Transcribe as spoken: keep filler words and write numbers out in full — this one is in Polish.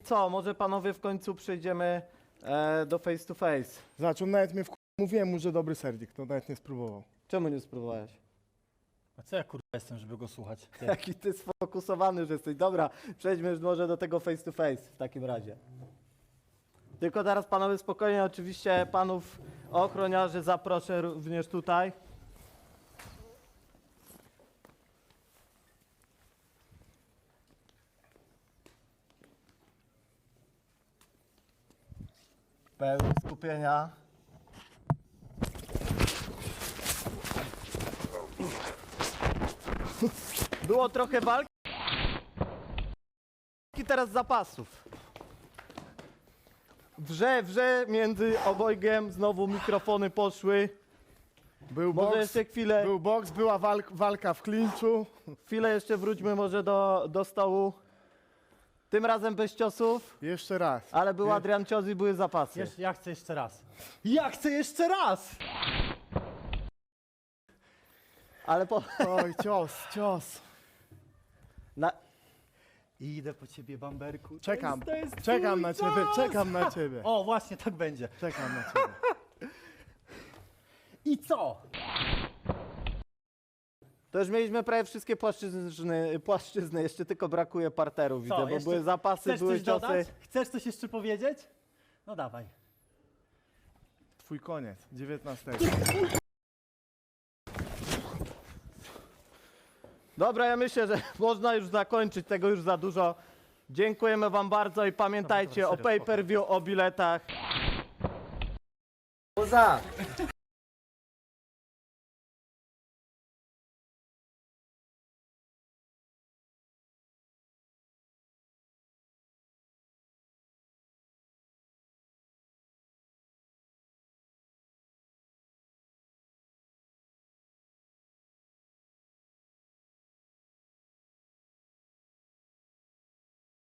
co, może panowie w końcu przejdziemy e, do face to face. Zobacz, on nawet mnie w... Mówiłem mu, że dobry serdik, to nawet nie spróbował. Czemu nie spróbowałeś? A co ja kurwa jestem, żeby go słuchać? Ty. Jaki ty sfokusowany już jesteś. Dobra, przejdźmy już może do tego face to face w takim razie. Tylko teraz panowie spokojnie, oczywiście panów ochroniarzy zaproszę również tutaj. Pełni skupienia. Było trochę walki, teraz zapasów. Wrze, wrze między obojgiem, znowu mikrofony poszły. Był Może boks, jeszcze chwilę, był boks, była walk, walka w klinczu. chwilę jeszcze wróćmy może do, do stołu. Tym razem bez ciosów, Jeszcze raz. ale był Adrian cios i były zapasy. Jesz, ja chcę jeszcze raz. Ja chcę jeszcze raz! Ale po... Oj, cios, cios. Na... Idę po ciebie, Bamberku. Czekam, To jest, to jest czekam twój na ciebie, czas. czekam na ciebie. O, właśnie tak będzie. Czekam na ciebie. I co? To już mieliśmy prawie wszystkie płaszczyzny, płaszczyzny. Jeszcze tylko brakuje parteru, widzę, bo jeszcze były zapasy, Chcesz były coś ciosy. dodać? Chcesz coś jeszcze powiedzieć? No dawaj. Twój koniec, dziewiętnastego. Dobra, ja myślę, że można już zakończyć, tego już za dużo. Dziękujemy wam bardzo i pamiętajcie Dobra, o dobra, serio, pay per view, o biletach. Poza!